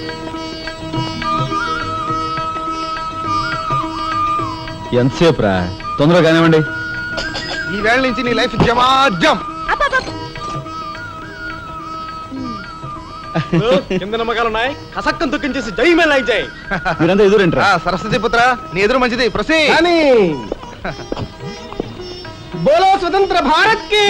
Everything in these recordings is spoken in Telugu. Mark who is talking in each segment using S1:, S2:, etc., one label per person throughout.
S1: ఎంతసేపు రా, తొందరగా కానివ్వండి.
S2: ఈ వేళ నుంచి నీ లైఫ్ జమాజం.
S3: కింద నమ్మకాలు ఉన్నాయి, కసక్కం తొక్కించేసి జైమేలా జై.
S1: మీరంతా ఎదురేంట్రా?
S2: సరస్వతి పుత్ర, నీ ఎదురు మంచిది. ప్రసీ
S3: బోలో స్వతంత్ర భారత్ కి.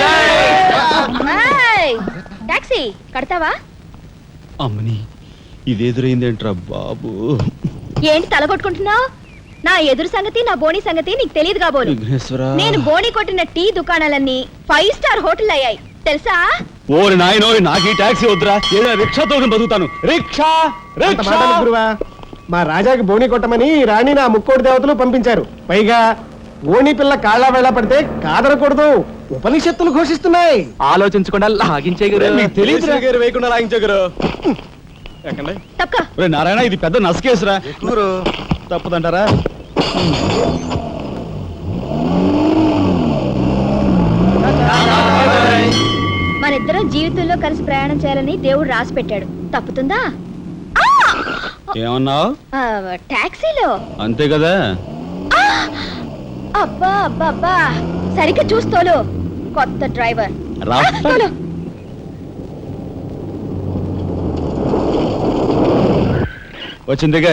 S4: టాక్సీ కడతావా?
S1: అమ్మని, ఇది ఎదురైందేంట్రా బాబు?
S4: ఏంటి తలగొట్టుకుంటున్నావు? నా ఎదురు సంగతి, నా బోని సంగతి నీకు తెలియదు కాబోలు. నేను బోని కొట్టిన టీ దుకాణాలన్నీ 5 స్టార్ హోటల్ అయ్యాయి తెలుసా?
S1: ఓరి నాయనో, నాకు ఈ టాక్సీ వద్దురా, ఏదో రిక్షాతో బతుకుతాను. రిక్షా
S3: గురువా, మా రాజాకి బోని కొట్టమని రాణి నా ముక్కోటి దేవతలు పంపించారు. పైగా ఓణి పిల్ల కాళ్ళ వేళ పడితే కాదనకూడదు, ఉపనిషత్తులు ఘోషిస్తున్నాయి.
S1: ఆలోచించకుండా లాగించేయగలరు. మీకు తెలియదు
S3: వేయకుండా లాగించగరు.
S1: నారాయణ, ఇది పెద్ద నసకేసురా. తప్పదంటారా?
S4: మనిద్దరం జీవితంలో కలిసి ప్రయాణం చేయాలని దేవుడు రాసి పెట్టాడు. తప్పుతుందా?
S1: ఏమన్నావు?
S4: టాక్సీలో
S1: అంతే కదా.
S4: అబ్బా అబ్బా అబ్బా, సరిగ్గా చూస్తోలు. కొత్త డ్రైవర్
S1: వచ్చిందిగా.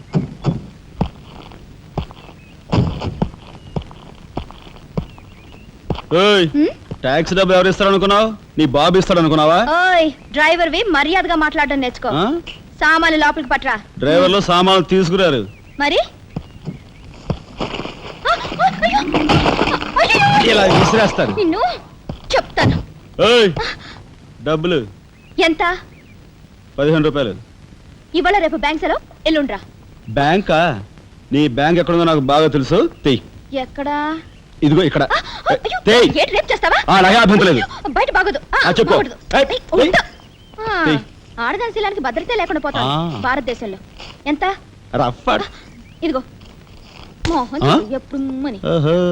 S1: టాక్సీ డబ్బు ఎవరు ఇస్తారు అనుకున్నావు? నీ బాబు ఇస్తాడు అనుకున్నావా?
S4: ఓయ్ డ్రైవర్ వి మర్యాదగా మాట్లాడడం నేర్చుకో. సామాన్లు లోపలికి పట్రా.
S1: డ్రైవర్లు సామాన్లు తీసుకురారు
S4: మరి
S1: ఇలా విసిరేస్తారు.
S4: నిన్ను చెప్తాను.
S1: డబ్బులు
S4: ఎంత?
S1: 15 రూపాయలు.
S4: ఇవాళ రేపు బ్యాంక్ సెలవు, ఎల్లుండ్రా.
S1: బ్యాంకా? నీ బ్యాంక్ ఎక్కడుందో నాకు బాగా తెలుసు. తెయ్.
S4: ఎక్కడా?
S1: ఇదిగో ఇక్కడ.
S4: బయట బాగోదు. ఆడదాని శీలానికి భద్రత లేకుండా పోతా భారతదేశంలో. ఎంత? ఇదిగో మోహన్ ఎప్పుడు మని.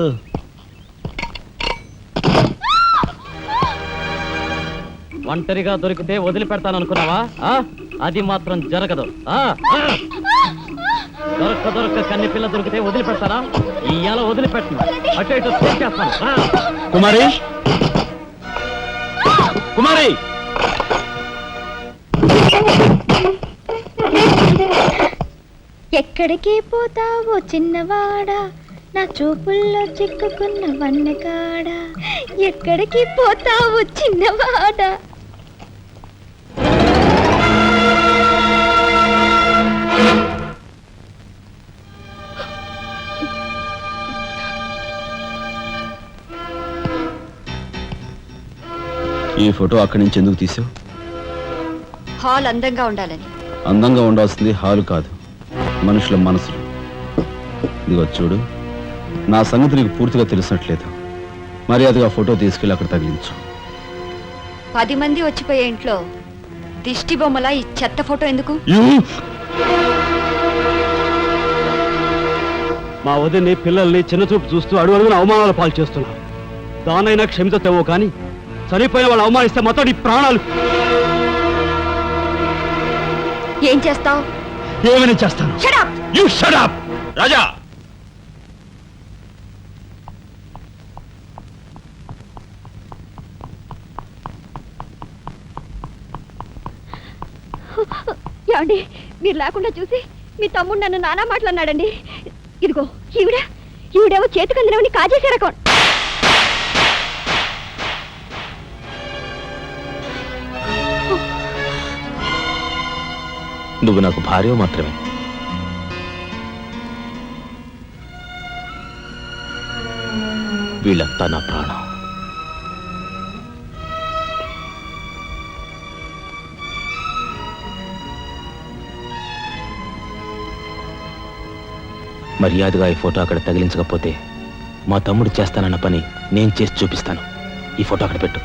S5: ఒంటరిగా దొరికితే వదిలిపెడతాను అనుకున్నావా? అది మాత్రం జరగదు. దొరక్క కన్ని పిల్ల దొరికితే వదిలిపెడతారా? ఇయ్యాల వదిలిపెట్టను. అటు ఇటు చేస్తాను.
S1: కుమారి, కుమారి,
S4: ఎక్కడికి పోతావో చిన్నవాడా, నా చూపుల్లో చిక్కుకున్న వన్నెకాడా. ఎక్కడికి పోతావో చిన్నవాడా.
S1: ఈ ఫోటో అక్కడి నుంచి ఎందుకు తీసావు?
S4: హాల్ అందంగా ఉండాలని.
S1: అందంగా ఉండాల్సింది హాలు కాదు, మనుషుల మనసులు. ఇదిగో చూడు, నా సంగతి నీకు పూర్తిగా తెలిసినట్లేదు. మర్యాదగా ఫోటో తీసుకెళ్ళి అక్కడ తగిలించు.
S4: 10 మంది వచ్చిపోయే ఇంట్లో దిష్టి బొమ్మలా ఈ చెత్త ఫోటో ఎందుకు?
S5: మా వదిని పిల్లల్ని చిన్నచూపు చూస్తూ అడుగున అవమానాలు పాలు చేస్తున్నా. దానైనా క్షమితేవో కానీ చనిపోయిన వాళ్ళు అవమానిస్తే మొత్తం నీ ప్రాణాలు.
S4: ఏం చేస్తావు?
S5: ఏమైనా చేస్తాను.
S1: You shut up, రాజా.
S4: ఏమండి, మీరు లేకుండా చూసి మీ తమ్ముడు నన్ను నానా మాట్లాడినాడండి. ఇదిగో ఈవిడేమో చేతికి అందినవని కాజేసే రకం.
S5: నువ్వు నాకు భార్య మాత్రమే. వీళ్ళంతా నా ప్రాణం. మర్యాదగా ఈ ఫోటో అక్కడ తగిలించకపోతే మా తమ్ముడు చేస్తానన్న పని నేను చేసి చూపిస్తాను. ఈ ఫోటో అక్కడ పెట్టు.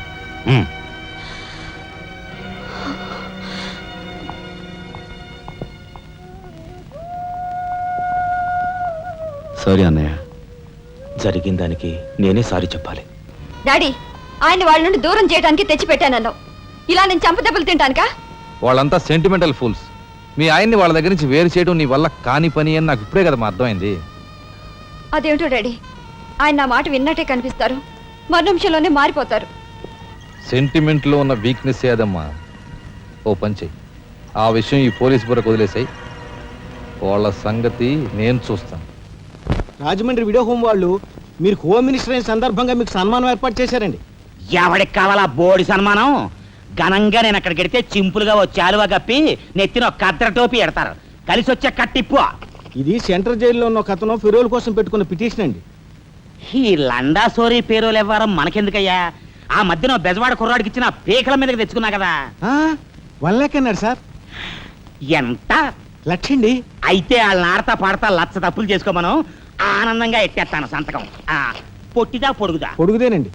S1: సారీ అన్నయ్య.
S5: జరిగిన దానికి నేనే సారీ చెప్పాలి.
S4: డాడీ, ఆయన వాళ్ళ నుండి దూరం చేయడానికి తెచ్చి పెట్టానన్నావు. ఇలా నేను చంపదెబ్బలు తింటానుకా?
S2: వాళ్ళంతా సెంటిమెంటల్ ఫూల్స్.
S6: మీ ఆయన్ని వాళ్ళ దగ్గర నుంచి వేరు చేయడం నీ వల్ల కాని పని అని నాకు ఇప్పుడే కదమ్మా అర్థమైంది.
S4: అదేమిటో డాడీ, ఆయన నా మాట విన్నట్టే కనిపిస్తారు, మరు నిమిషంలోనే మారిపోతారు.
S6: సెంటిమెంట్లో ఉన్న వీక్నెస్ ఏదమ్మా. ఓ పని చెయ్యి, ఆ విషయం ఈ పోలీస్ బుర్రకు వదిలేసాయి. వాళ్ళ సంగతి నేను చూస్తాను.
S3: రాజమండ్రి వీడియో హోమ్ వాళ్ళు మీరు హోమ్ మినిస్టర్ అయిన సందర్భంగా మీకు సన్మానం ఏర్పాటు చేశారండి.
S7: ఎవడికి కావాలా బోడి సన్మానం? ఘనంగా నేను అక్కడికి వెడితే చింపులుగా ఓ చాలువా కప్పి నెత్తిన ఒక కద్ర టోపీ ఎడతారు. కలిసి వచ్చే కట్టిప్పు.
S3: ఇది సెంట్రల్ జైల్లో ఉన్న ఒక అతను ఫిరోల్ కోసం పెట్టుకున్న పిటిషన్ అండి.
S7: ఈ లండా సోరీ పేరోలు ఇవ్వడం మనకెందుకయ్యా? ఆ మధ్యన బెజవాడ కుర్రాడికి ఇచ్చిన పీకల మీదకి తెచ్చుకున్నా కదా.
S3: 1 lakh అన్నాడు సార్.
S7: ఎంత
S3: లక్షండి.
S7: అయితే వాళ్ళని ఆడతా పాడతా లచ్చ తప్పులు చేసుకోమను, ఆనందంగా ఎట్టేస్తాను సంతకం. పొట్టిదా పొడుగుదా?
S3: పొడుగుదేనండి.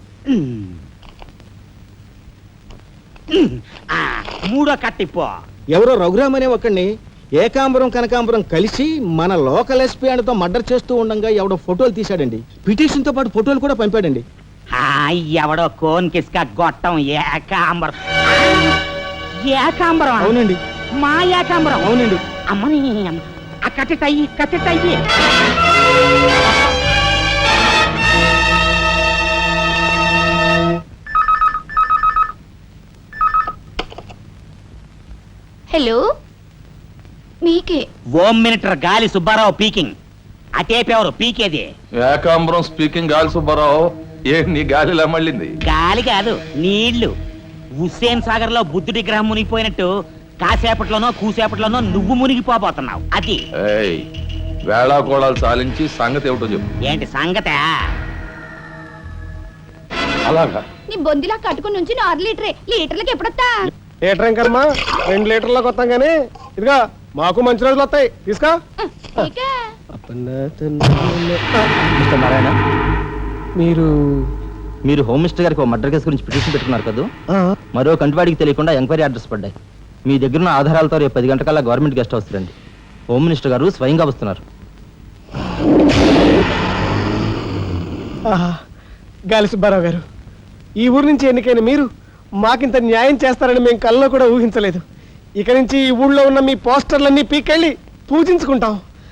S7: మూడో కట్టిప్పు.
S3: ఎవరో రఘురామ్ అనే ఒకడిని ఏకాంబరం కనకాంబరం కలిసి మన లోకల్ ఎస్పీ ఆయనతో మర్డర్ చేస్తూ ఉండగా ఎవడో ఫోటోలు తీశాడండి. పిటిషన్ తో పాటు ఫోటోలు కూడా పంపాడండి.
S7: ఎవడో కోన్ కిస్క గొట్టం ఏకాంబరం. ఏకాంబరం?
S3: అవునండి.
S7: మా ఏకాంబరం?
S3: అవునండి.
S7: అమ్మని కట్టెట్టయ్యి కట్టెట్టయ్యి.
S4: హలో, మీకే.
S7: Home minister Gali Subbarao speaking. అటేపెవరు పీకేది?
S6: ఏకాంబరం స్పీకింగ్. గాలి సుబ్బారావు, నీ గాలిలా మళ్ళింది?
S7: గాలి కాదు, నీళ్లు. హుస్సేన్ సాగర్ లో బుద్ధుడి గ్రహం మునిగిపోయినట్టు కాసేపట్లోనో కూసేపట్లోనో నువ్వు మునిగిపోబోతున్నావు. అది
S6: వేళాకోళాలు చాలించి సంగతి ఏమిటో చెప్పు.
S7: ఏంటి సంగతే?
S6: అలాగా?
S4: నీ బొందిలా కట్టుకుని నుంచి 6 లీటరే, లీటర్లకి ఎప్పుడొస్తా?
S3: లీటర్ ఇంకమ్మా 2 లీటర్లకు వస్తాం కానీ ఇదిగా మాకు మంచి రోజులు వస్తాయి. తీసుకో.
S4: ఇకే.
S8: మిస్టర్ నారాయణ,
S3: మీరు
S8: మీరు హోమ్ మినిస్టర్ గారికి ఒక మర్డర్ కేసు గురించి పిటిషన్ పెట్టుకున్నారు కదా. మరో కంటివాడికి తెలియకుండా ఎంక్వైరీ అడ్రస్ పడ్డాయి. మీ దగ్గర ఉన్న ఆధారాలతో రేపు 10 గంటకల్లా గవర్నమెంట్ గెస్ట్ హౌస్ రండి. హోమ్ మినిస్టర్ గారు స్వయంగా వస్తున్నారు.
S3: గాలి సుబ్బారావు గారు, ఈ ఊరు నుంచి ఎన్నికైన మీరు మాకింత న్యాయం చేస్తారని మేము కల్లో కూడా ఊహించలేదు. ఇక నుంచి ఈ ఊళ్ళో ఉన్న మీ పోస్టర్లన్నీ పీకెళ్ళి పూజించుకుంటాం.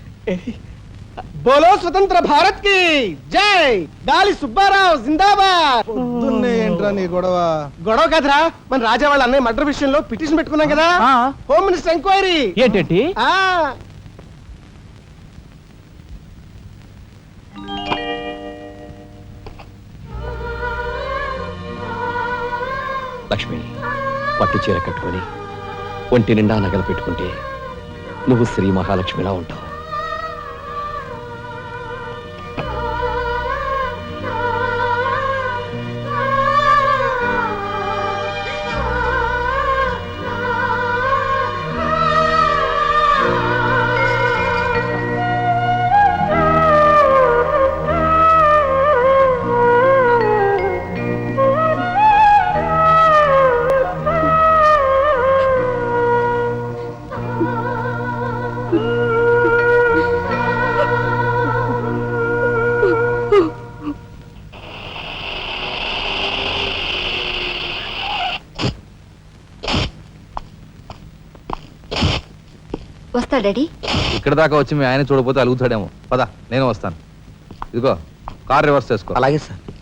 S3: బోలో స్వతంత్ర భారత్ కి జై. గాలి సుబ్బారావు జిందాబాద్.
S2: ఏంట్రా నీ గొడవ?
S3: గొడవ కదరా, మన రాజా వాళ్ళ అన్నయ్య మర్డర్ విషయంలో పిటిషన్ పెట్టుకున్నాం కదా. Home minister enquiry.
S8: ఏంటంటే
S9: లక్ష్మి, పట్టు చీర కట్టుకొని ఒంటి నిండా నగలు పెట్టుకుంటే నువ్వు శ్రీ మహాలక్ష్మిలా ఉంటావు.
S4: వస్తా డాడీ.
S6: ఇక్కడ దాకా వచ్చి మీ ఆయన చూడపోతే అలుగుతాడేమో. పద, నేను వస్తాను. ఇదిగో కార్ రివర్స్ చేసుకో.
S9: అలాగే సార్.